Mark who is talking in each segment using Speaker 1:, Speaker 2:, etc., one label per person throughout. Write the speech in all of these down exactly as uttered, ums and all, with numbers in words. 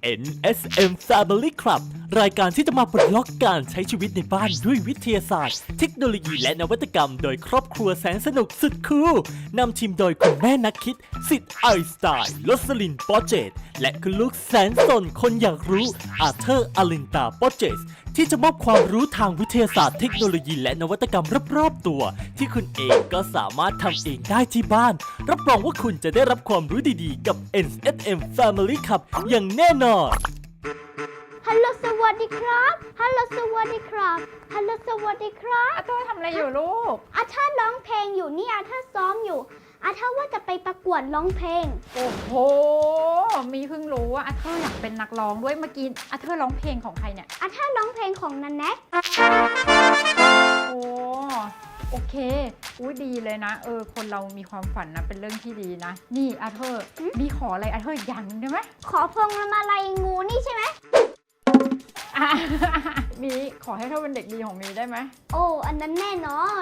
Speaker 1: เอ็น เอส เอ็ม Family Club รายการที่จะมาปลดล็อกการใช้ชีวิตในบ้านด้วยวิทยาศาสตร์เทคโนโลยีและนวัตกรรมโดยครอบครัวแสนสนุกสุดคูลนำทีมโดยคุณแม่นักคิดสิทธิ์ไอน์สไตน์ลสลินปอเจตและคุณลูกแสนสนคนอยากรู้อาเธอร์อลินตาปอเจตที่จะมอบความรู้ทางวิทยาศาสตร์เทคโนโลยีและนวัตกรรมรอบๆตัวที่คุณเองก็สามารถทำเองได้ที่บ้านรับรองว่าคุณจะได้รับความรู้ดีๆกับ เอ็น เอส เอ็ม Family Club อย่างแน่นอน
Speaker 2: ฮัลโหลสวัสดีครับฮัลโหลสวัสดีครับฮัลโหลสวัสดีครับ
Speaker 3: อาเธอร์ทำอะไรอยู่ลูก
Speaker 2: อาเธอร์ร้องเพลงอยู่นี่อาเธอร์ซ้อมอยู่อาเธอร์ว่าจะไปประกวดร้องเพลง
Speaker 3: โอ้โหมีเพิ่งรู้ว่าอาเธอร์อยากเป็นนักร้องด้วยเมื่อกี้อาเธอร์ร้องเพลงของใครเนี่ย
Speaker 2: อาเธอร์ร้องเพลงของนันแน็ก
Speaker 3: โอ้โอเคอุ้ยดีเลยนะเออคนเรามีความฝันนะเป็นเรื่องที่ดีนะนี่อาเธอร์มีขออะไรอาเธอร์อย่างนึงได้ไหม
Speaker 2: ขอพวงมาลัยงูนี่ใช่ไหม
Speaker 3: มีขอให้เธอเป็นเด็กดีของมีได้ไหม
Speaker 2: โอ้อันนั้นแน่นอน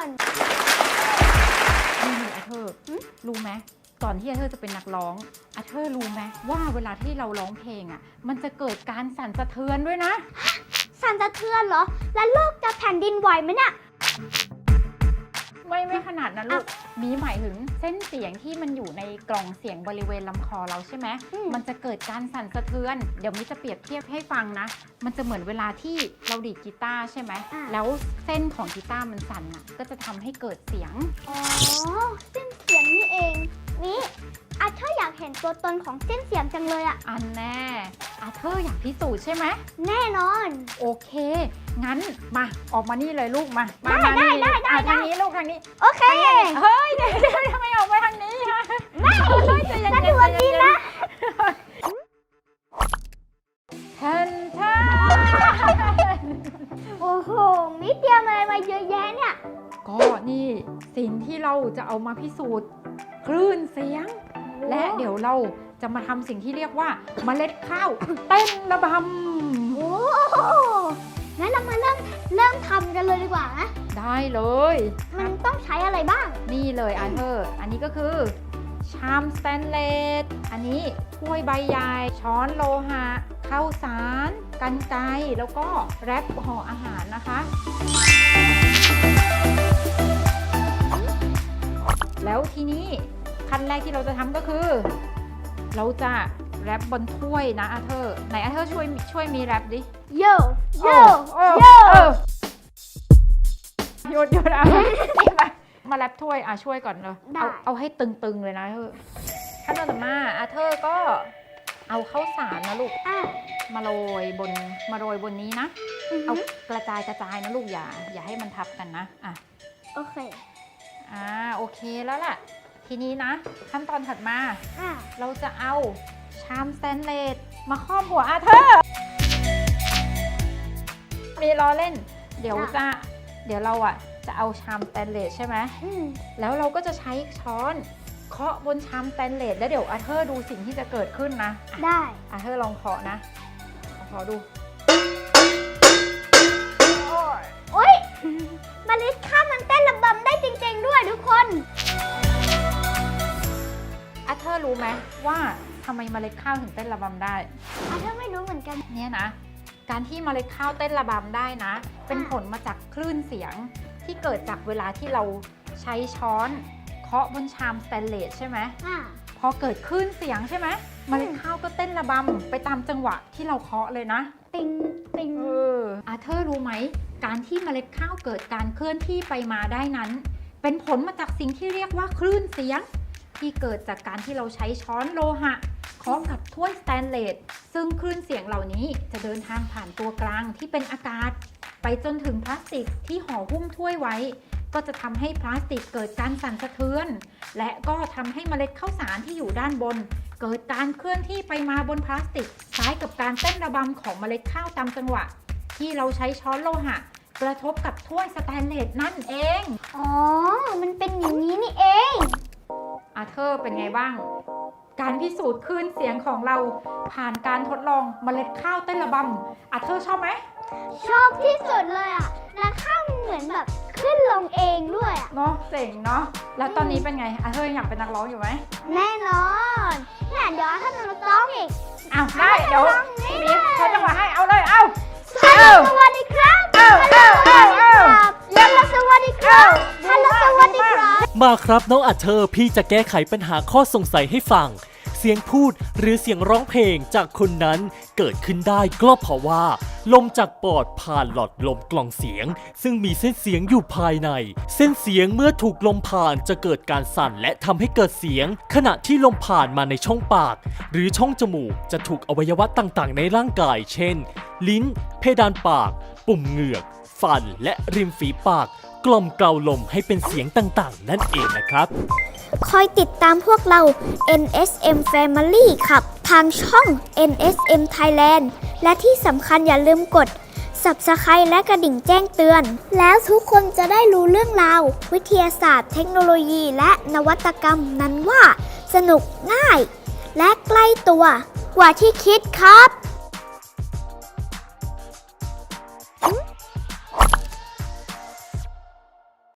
Speaker 3: นี่อาเธอร์รู้ไหมก่อนที่อาเธอร์จะเป็นนักร้องอาเธอร์รู้ไหมว่าเวลาที่เราร้องเพลงอ่ะมันจะเกิดการสั่นสะเทือนด้วยนะ
Speaker 2: สั่นสะเทือนเหรอแล้วโลกจะแผ่นดินไหวไหมเนี่ย
Speaker 3: ไม่ไม่ขนาดนั้นลูกมีหมายถึงเส้นเสียงที่มันอยู่ในกล่องเสียงบริเวณลำคอเราใช่ไหมมันจะเกิดการสั่นสะเทือนเดี๋ยวมิจะเปรียบเทียบให้ฟังนะมันจะเหมือนเวลาที่เราดีดกีตาร์ใช่ไหมแล้วเส้นของกีตาร์มันสั่นอ่ะก็จะทำให้เกิดเสียง
Speaker 2: อ๋อเส้นเสียงนี่เองนี่อาเธอร์อยากเห็นตัวตนของเส้นเสียงจังเลยอ่ะ
Speaker 3: อันแน่อาเธอร์อยากพิสูจน์ใช่ไหม
Speaker 2: แน่นอน
Speaker 3: โอเคงั้นมาออกมานี่เลยลูกมา
Speaker 2: ได้ได้ได้ได้
Speaker 3: ทางนี้ลูกทางนี้
Speaker 2: โอเค
Speaker 3: เฮ้ยเดี๋ยวทำไมออกมาทางนี้ฮะ
Speaker 2: ไม่
Speaker 3: ใจเย็น
Speaker 2: ๆสวัสดีนะ
Speaker 3: แทนแทน
Speaker 2: โอ้โหมิเตรียมอะไรมาเยอะแยะเนี่ย
Speaker 3: ก็นี่สิ่งที่เราจะเอามาพิสูจน์คลื่นเสียงและเดี๋ยวเราจะมาทำสิ่งที่เรียกว่าเมล็ดข้าวเต้นระบำ
Speaker 2: โอ้งั้นเรามาเริ่มเริ่มทำกันเลยดีกว่านะ
Speaker 3: ได้เลย
Speaker 2: มันต้องใช้อะไรบ้าง
Speaker 3: นี่เลยอาเธอร์อันนี้ก็คือชามสแตนเลสอันนี้ถ้วยใบใหญ่ช้อนโลหะข้าวสารกรรไกรแล้วก็แรปห่ออาหารนะคะแล้วทีนี้ขั้นแรกที่เราจะทำก็คือเราจะแรปบนถ้วยนะอาเธอร์ไหนอาเธอร์ช่วยช่วยมีแรปดิ
Speaker 2: โย่โย่
Speaker 3: โย่หยุดหยุดเอามาแรปถ้วยอ่ะช่วยก่อนเลยเอาเอาให้ตึงๆเลยนะเธอขั้นตอนต่อมาอาเธอร์ก็เอาข้าวสารนะลูกมาโรยบนมาโรยบนนี้นะเอากระจายกระจายนะลูกอย่าอย่าให้มันทับกันนะอ่ะ
Speaker 2: โอเค
Speaker 3: อ่าโอเคแล้วล่ะทีนี้นะขั้นตอนถัดมาเราจะเอาชามสแตนเลสมาครอบหัวอาเธอร์มีล้อเล่นเดี๋ยวจะเดี๋ยวเราอ่ะจะเอาชามสแตนเลสใช่ไหมแล้วเราก็จะใช้ช้อนเคาะบนชามสแตนเลสแล้วเดี๋ยวอาเธอร์ดูสิ่งที่จะเกิดขึ้นนะ
Speaker 2: ได้
Speaker 3: อาเธอร์ลองเคาะนะเคาะดู
Speaker 2: โอ๊ยเมล็ดข้าวมันเต้นระบำได้จริงๆด้วยทุกคน
Speaker 3: อาเธอร์รู้ไหมว่าทำไมเมล็ดข้าวถึงเต้นระบำได้
Speaker 2: อาเธอร์ไม่รู้เหมือนกัน
Speaker 3: เนี่ยนะการที่เมล็ดข้าวเต้นระบำได้นะเป็นผลมาจากคลื่นเสียงที่เกิดจากเวลาที่เราใช้ช้อนเคาะบนชามสแตนเลสใช่ไหมพอเกิดคลื่นเสียงใช่ไหมเมล็ดข้าวก็เต้นระบำไปตามจังหวะที่เราเคาะเลยนะ
Speaker 2: ติงติง
Speaker 3: เอออาเธอร์รู้ไหมการที่เมล็ดข้าวเกิดการเคลื่อนที่ไปมาได้นั้นเป็นผลมาจากสิ่งที่เรียกว่าคลื่นเสียงที่เกิดจากการที่เราใช้ช้อนโลหะเคาะกับถ้วยสแตนเลสซึ่งคลื่นเสียงเหล่านี้จะเดินทางผ่านตัวกลางที่เป็นอากาศไปจนถึงพลาสติกที่ห่อหุ้มถ้วยไว้ก็จะทำให้พลาสติกเกิดการสั่นสะเทือนและก็ทำให้เมล็ดข้าวสารที่อยู่ด้านบนเกิดการเคลื่อนที่ไปมาบนพลาสติกคล้ายกับการเต้นระบำของเมล็ดข้าวตามจังหวะที่เราใช้ช้อนโลหะกระทบกับถ้วยสแตนเลสนั่นเอง
Speaker 2: อ๋อมันเป็นอย่างนี้นี่เอง
Speaker 3: อาเธอร์เป็นไงบ้างการพิสูจน์คลื่นเสียงของเราผ่านการทดลองเมล็ดข้าวเต้นระบำอาเธอร์ชอบไหม
Speaker 2: ชอบที่สุดเลยอ่ะและข้าวมันเหมือนแบบขึ้นลงเองด้วยอ่ะ
Speaker 3: เนาะเจ๋งเนาะแล้วตอนนี้เป็นไงอาเธอร์อยากเป็นนักร้องอยู่ไหม
Speaker 2: แน่นอนเนี่ยเดี๋ยวถ้าเราร้องอีก
Speaker 3: อ้าวได้เดี๋ยวมี
Speaker 1: มาครับน้องอัเธอร์พี่จะแก้ไขปัญหาข้อสงสัยให้ฟังเสียงพูดหรือเสียงร้องเพลงจากคนนั้นเกิดขึ้นได้ก็เพราะว่าลมจากปอดผ่านหลอดลมกล่องเสียงซึ่งมีเส้นเสียงอยู่ภายในเส้นเสียงเมื่อถูกลมผ่านจะเกิดการสั่นและทำให้เกิดเสียงขณะที่ลมผ่านมาในช่องปากหรือช่องจมูกจะถูกอวัยวะต่างๆในร่างกายเช่นลิ้นเพดานปากปุ่มเหงือกฟันและริมฝีปากกล่อมเกลาลมให้เป็นเสียงต่างๆนั่นเองนะครับ
Speaker 2: คอยติดตามพวกเรา เอ็น เอส เอ็ม Family ครับทางช่อง เอ็น เอส เอ็ม Thailand และที่สำคัญอย่าลืมกด Subscribe และกระดิ่งแจ้งเตือนแล้วทุกคนจะได้รู้เรื่องราววิทยาศาสตร์เทคโนโลยีและนวัตกรรมนั้นว่าสนุกง่ายและใกล้ตัวกว่าที่คิดครับ